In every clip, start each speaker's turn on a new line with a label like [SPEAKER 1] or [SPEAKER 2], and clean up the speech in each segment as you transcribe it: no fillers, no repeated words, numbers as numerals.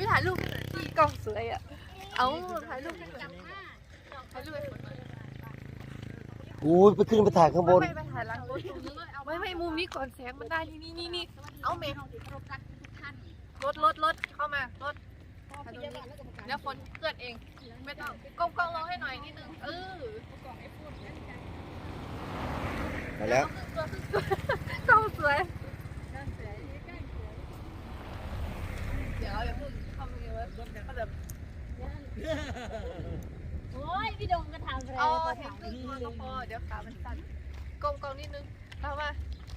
[SPEAKER 1] ถ่ายรูปที่กล้องสวยอ่ะเอาถ่ายรูปกันหน่อยถ่ายรูปไป
[SPEAKER 2] อู้ไปขึ้นไปถ่ายข้างบน
[SPEAKER 1] ไม่ไปถ่ายหลังรถไม่มุมนี้ก่อนแสงมันได้นี่เอาเมย์รถเข้ามารถเดี๋ยวฝนเกิดเองไม่ต้องกล้องรอให้หน่อยนิดนึง
[SPEAKER 2] มาแล้ว
[SPEAKER 1] กล้องสวยเดี๋ยวอย่าเพิ่งเข้าไปเลยก็แบบ
[SPEAKER 3] โอ้ยพี่ดงก็ทำอะไร
[SPEAKER 1] เอาแค่ครึ่งตัวก็พอเดี๋ยวขามันสั่นกล้องนิดนึงเอามา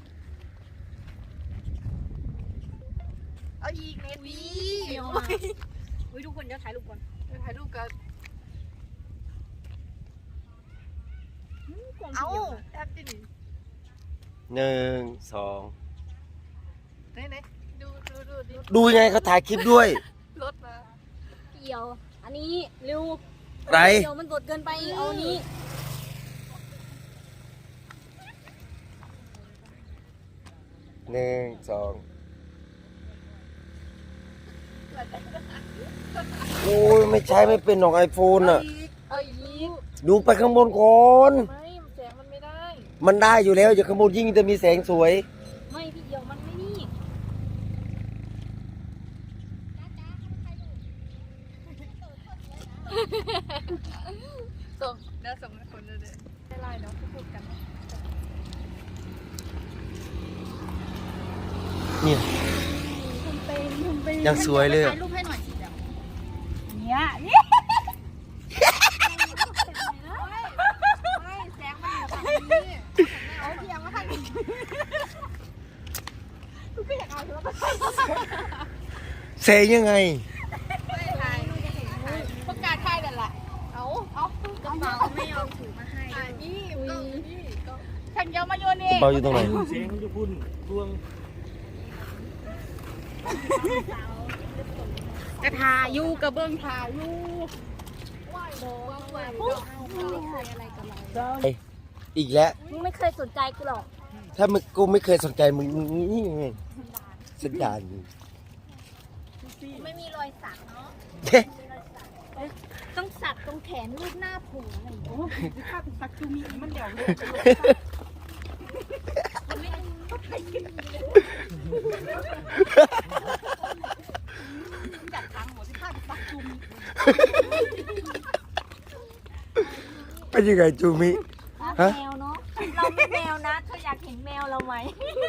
[SPEAKER 1] เอาอีกเมตรนี้
[SPEAKER 3] อุ้ยทุกคนเดี๋ยวถ่ายรูปก่อน
[SPEAKER 1] ถ่ายรูปกันเอาแอปดิ
[SPEAKER 2] 1 2
[SPEAKER 1] ไหน
[SPEAKER 2] ดูยังไงเขาถ่ายคลิปด้วย
[SPEAKER 1] รถมา
[SPEAKER 3] เกี่ยวอันนี้เร็ว
[SPEAKER 2] ไร
[SPEAKER 3] เดี๋ยวมันสดเกินไปเอานี้
[SPEAKER 2] 1 2โอ้ยไม่ใช้ไม่เป็นหรอกไอโฟนอ่ะดูไปข้างบนก่อน
[SPEAKER 1] ไม่แสงมันไม่ได้
[SPEAKER 2] มันได้อยู่แล้วอย่าข้างบนยิ่งจะมีแสงสวย
[SPEAKER 3] ไม่พี่เดียวมันไม่นี่
[SPEAKER 1] ส่งแล้วส่งให้คนเลยได้ไลน์เนาะพูดกัน
[SPEAKER 2] เนี่ยยังสวยเลย
[SPEAKER 3] ถ่ายรูปให้หน่อยสิเดี๋ยวเนี่ย
[SPEAKER 1] ไม่แสงมันอยู่ฝั่งนี้เอาเทียมมาถ่ายกูก็อยากเอาแล้วก็
[SPEAKER 2] แสงยังไง
[SPEAKER 1] ไม่ถ่ายประกาศถ่ายนั่นแหละเอา
[SPEAKER 3] กระเป๋าไม่ยอมถือมาให้
[SPEAKER 1] นี่ฉันจะมาโยนเอง
[SPEAKER 2] เบาอยู่ตรงไหน
[SPEAKER 4] เสียงจะพุ่นดวง
[SPEAKER 3] กระทายูกระเบื้องทายู
[SPEAKER 2] อีกแล้ว
[SPEAKER 3] มึงไม่เคยสนใจกูหรอก
[SPEAKER 2] ถ้ามึงกูไม่เคยสนใจมึงนี่ไงสันดาน
[SPEAKER 3] ไม่มีรอยสักเนาะต้องสักตรงแขนรูปหน้าผูอะไรอย่างเงี้ยถ้าเป็นสักคือมีมันเดี่ยวเลยมันไม่จัดทางหมดที่ข้าสักจุ่ม
[SPEAKER 2] เป็นยังไงจูมิ
[SPEAKER 3] แมวเนาะเราไม่แมวนะเธออยากเห็นแมวเราไหม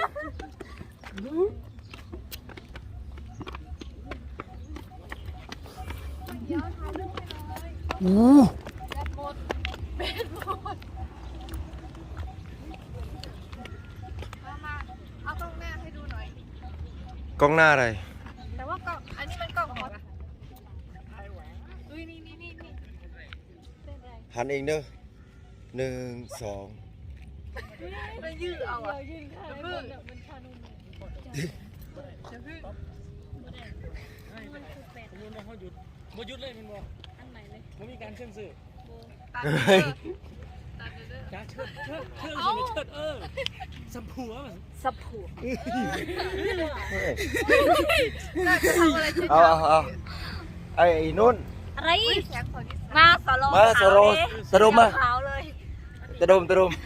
[SPEAKER 1] เป็นหมดมาเอากล้องหน้าให้ดูหน่อย
[SPEAKER 2] กล้องหน้าอะไร
[SPEAKER 1] แต่ว่ากล้องอันนี้มันกล้องของอะไรอุ้ยนี่
[SPEAKER 2] หันเองเด้อ1 2
[SPEAKER 1] มันยืดเอาอ่ะยืดค่ะเพิ่งมันชานุ่มจะพึ่ง
[SPEAKER 4] มันเขาหยุดบ่หยุดเลยมันบ่อันไหนเลยมันมีการเชื่อมสื่อจ้าเชิดสัมผัว
[SPEAKER 2] เอาไอ้นุ่น
[SPEAKER 3] อะไรมาสโล
[SPEAKER 2] สโลมา
[SPEAKER 3] ขาวเลย
[SPEAKER 2] ตะดม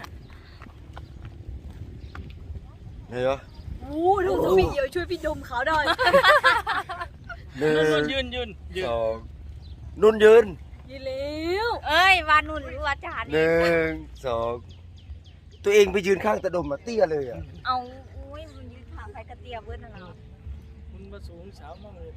[SPEAKER 2] เฮ้ย
[SPEAKER 3] ดูสปีเดี๋ยวช่วยพี่ดมเขาหน่อย
[SPEAKER 4] ยืน
[SPEAKER 2] 2นุ่นยืน
[SPEAKER 3] เร็วเอ้ยวานุ่นหรือว่าจาน
[SPEAKER 2] 1 2ตัวเองไปยืนข้างตะดมมาเตี้ยเลยอ่ะ
[SPEAKER 3] เอาอุ้ยมันยืนขาไปกระเตียเบิ้ลอะไร
[SPEAKER 4] มันมาสูงสาวมากเลย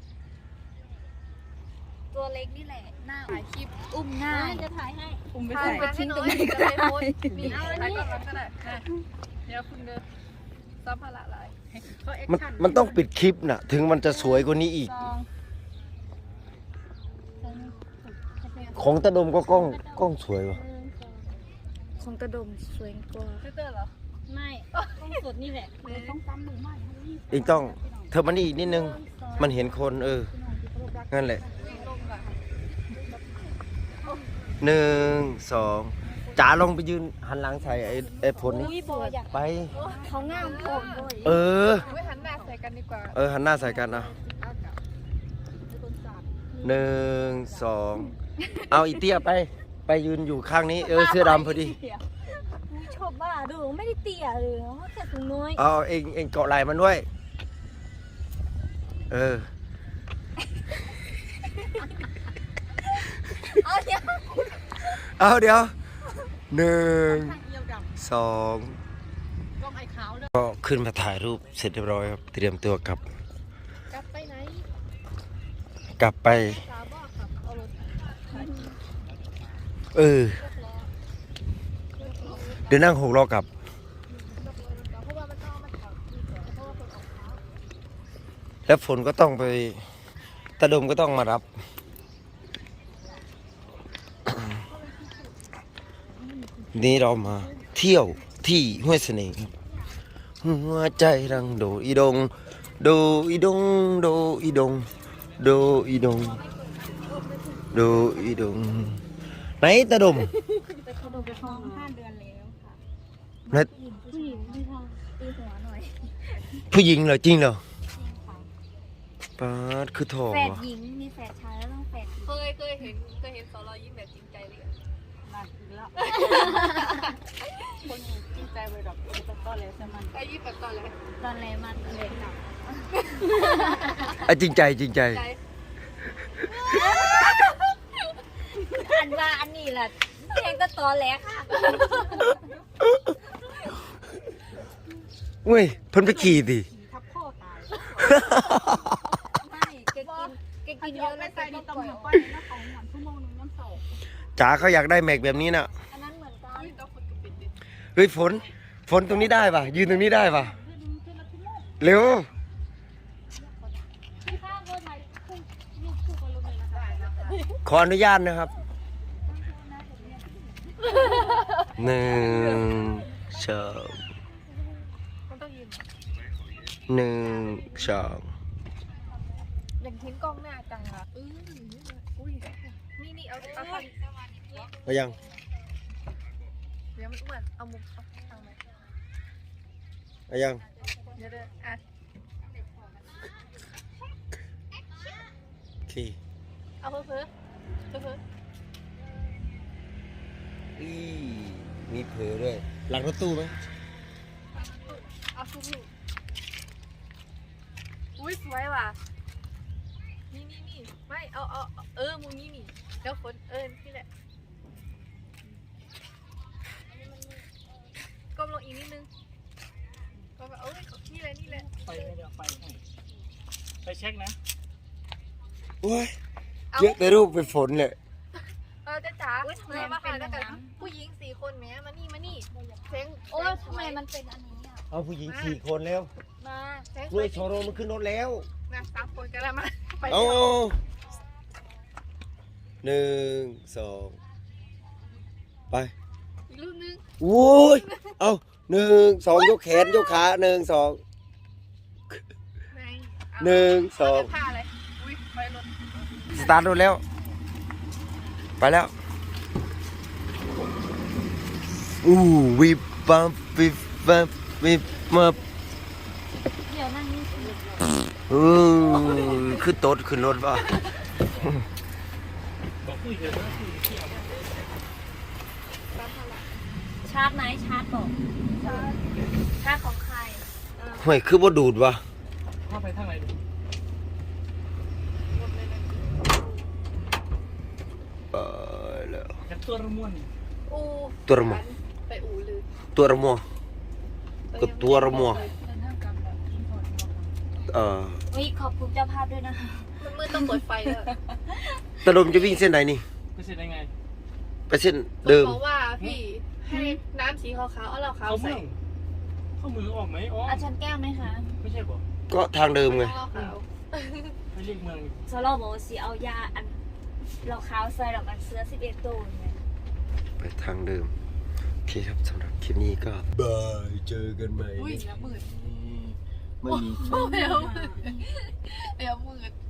[SPEAKER 3] ตัวเล็กนี่แหละหน้า
[SPEAKER 1] ถ่ายคลิปอุ้มง่าย
[SPEAKER 3] จะถ่ายให้
[SPEAKER 1] อุ้มไปทิ้งตรงไหนก็ได้มีถ่ายก่อนก็ได้เดี๋ยวคุณเดินซับพละลาย
[SPEAKER 2] มันต้องปิดคลิปน่ะถึงมันจะสวยกว่านี้อีกของตะดมก็กล้องสวยว่ะ
[SPEAKER 3] ของตะดมสวยกว่า
[SPEAKER 1] เตอร์เหรอ
[SPEAKER 3] ไม่ต้องสดนี่แหละต้องซ้ำมือมาก
[SPEAKER 2] อีกต้องเธอมานี่อีกนิดนึงมันเห็นคนงั้นแหละ1 2จ๋าลงไปยืนหันหลังใส่ไอ้ผลนี่ไป
[SPEAKER 3] เขางามโผล่
[SPEAKER 1] หันหน้าใส่กันดีกว่า
[SPEAKER 2] หันหน้าใส่กันนะ 1 2เอาอีเตี้ยไปยืนอยู่ข้างนี้เสื้อดำพอดี
[SPEAKER 3] ชอบบ้าดูไม่ได้เตี้ยเลยแค่ถุงน้อย
[SPEAKER 2] เอาเองเกาะไหล่มันด้วย
[SPEAKER 3] เอาเดี๋ยว
[SPEAKER 2] เอาเดี๋ยว1 2
[SPEAKER 1] กล้องไอ้ขาวเลย
[SPEAKER 2] ก็ขึ้นมาถ่ายรูปเสร็จเรียบร้อยครับเตรียมตัวกลับ
[SPEAKER 1] กลับไปไหน
[SPEAKER 2] กลับไป
[SPEAKER 1] สาบอกขับเอารถ
[SPEAKER 2] เดี๋ยวนั่ง6 ล้อกลับ
[SPEAKER 1] เพราะว่ามันต้องเอามาขับเพราะว่าคนออกเท้า
[SPEAKER 2] แล้วฝนก็ต้องไปตาดมก็ต้องมารับ นี่เรามาเที่ยวที่ห้วยเสน่ห์ครับหัวใจรังโดอีดงโดอีดงโดอีดงโดอีดงโดอีดงไหนตาดม
[SPEAKER 3] เขาดูไปท้อง5 เดือนแล้วค่ะ
[SPEAKER 2] ไหน
[SPEAKER 3] ผู้หญิงที่ท้องตีหัวหน่อย
[SPEAKER 2] ผู้หญิงเหรอจริงเหรอปาดคือทอง
[SPEAKER 3] แฝด
[SPEAKER 2] วะ
[SPEAKER 3] หญิงมีแฝดชายแล้วต้องแฝดหญิง
[SPEAKER 1] เคยเห็นสอรอยยิ้มแบบจริงใจเลย
[SPEAKER 3] มาอีกแล้วคนจริงใจไปดอกต้นเลยใช่ไหม
[SPEAKER 1] ไอ้ยิ้มแบบตอนแรก
[SPEAKER 3] ตอนแรกมันเลยหนัก
[SPEAKER 2] จริงใจจริงใจ
[SPEAKER 1] ใจ
[SPEAKER 3] อันว่าอันนี้แหละเพลงก็ตอนแรกค่ะ
[SPEAKER 2] เว้ยเพิ่นไปขี่ดิ
[SPEAKER 3] ทับพ่อตายไม่แกกินเยอะแล้วแกก็ปล่อยออก
[SPEAKER 2] จ๋าเขาอยากได้แม็กแบบนี้น่ะ
[SPEAKER 3] อันนั้นเหมือนกัน
[SPEAKER 1] อุ้ยต้องคนกับปิดดิ
[SPEAKER 2] เฮ้ยฝนตรงนี้ได้ป่ะยืนตรงนี้ได้ป่ะเร็ว
[SPEAKER 3] พี่ข้างก็ถ่ายรูปคู่กันลงเลยนะคะ
[SPEAKER 2] ขออนุญาตนะครับ 1 2
[SPEAKER 1] มันต้องยืน
[SPEAKER 2] 1 2
[SPEAKER 1] อย่างเห็นกล้องหน้าจังอ่ะอุ้ยนี่เอาทาง
[SPEAKER 2] ไปยัง
[SPEAKER 1] เดี๋ยวมันอ้วนเอามุมเอาทางไหน
[SPEAKER 2] ไปยัง
[SPEAKER 1] เดี๋ยวอ่ะ
[SPEAKER 2] โอเค
[SPEAKER 1] เอาเพิ่ม
[SPEAKER 2] อีมีเผลอด้วยหลังรถตู้ไหม
[SPEAKER 1] เอาสู้อุ้ยสวยว่ะนี่ไม่เอามุมนี้นี่แล้วคนนี่แหละก้มลงอีกนิดนึงก็แบบนี่แหละ
[SPEAKER 4] ไปไม่ได้ไปให้ไปเช็คนะ
[SPEAKER 2] โอ้ยเยอะแต่รูปเป็นฝนเลย
[SPEAKER 1] จะจ๋าเรามาหาแล้วกันผู้หญิง4 คนแม้มานี่เซ็ง
[SPEAKER 3] โอ้ยทำไมมันเป็นอันนี้อ่ะ
[SPEAKER 2] เอาผู้หญิง4 คนแล้ว
[SPEAKER 3] มา
[SPEAKER 1] เซ็ง
[SPEAKER 2] ด้วยโชโรมันขึ้นรถแล้ว
[SPEAKER 1] นะ3 คนกันแล้วมาไป
[SPEAKER 2] เอา1 2ไป
[SPEAKER 1] อีกรูปนึง
[SPEAKER 2] โอ้ยเอา1 2ยกแขนยกขา1 2
[SPEAKER 1] ไหน
[SPEAKER 2] 1 2
[SPEAKER 1] ผ้าอะไรอุ้ยไปรถ
[SPEAKER 2] สตาร์ทรถแล้วไปแล้ววิบวับวิบวับวิบวับ
[SPEAKER 3] เดี๋ยวนั่งนี่สิ
[SPEAKER 2] ขึ้นโต๊ะขึ้นรถป่ะ
[SPEAKER 4] บอกคุยกันนะคุยเที่ยว
[SPEAKER 3] ชาร์จไหนชาร์จบอกชาร์จของใคร
[SPEAKER 2] ห่วยคือบ่ดูดวะ
[SPEAKER 4] เข้าไปทางไหนดู
[SPEAKER 2] แล้ว
[SPEAKER 4] จากตัวระม่วน
[SPEAKER 1] อู
[SPEAKER 2] ตัวระมัว
[SPEAKER 1] ไปอูเลย
[SPEAKER 2] ตัวระมัวก็ตัวระมัว
[SPEAKER 3] วิขอบคุณเจ้าภาพด้วยนะคะ
[SPEAKER 1] มันมืดต้องเปิดไฟเลย
[SPEAKER 2] ตะลมจะวิ่งเส้นไหนนี่
[SPEAKER 4] ไปเสร็จได้ไง
[SPEAKER 2] ไปเส้นเดิม
[SPEAKER 1] บอกว่าพี่ให้น้ำสีขาวๆเอาเหล้าขาว
[SPEAKER 4] เขา
[SPEAKER 1] ใส่
[SPEAKER 4] เมืองเข้ามือออกไหมอ๋อ
[SPEAKER 3] อาจารย์แก้วไหมคะ
[SPEAKER 4] ไม่ใช่ป่ะ
[SPEAKER 2] ก็ทางเดิมไง
[SPEAKER 1] เหล้าขาว
[SPEAKER 4] ไปเรียกเมือง
[SPEAKER 3] โซโลบอกว่าสีเอายาอันเราขาวใส่ดอกกันเสื้อ11 ตัวเนี่ย
[SPEAKER 2] ไปทางเดิมโอเคครับสำหรับคลิปนี้ก็บายเจอกันใหม่
[SPEAKER 1] อุ้ยน้ำมืด
[SPEAKER 2] ไม่มี
[SPEAKER 1] เอวมืด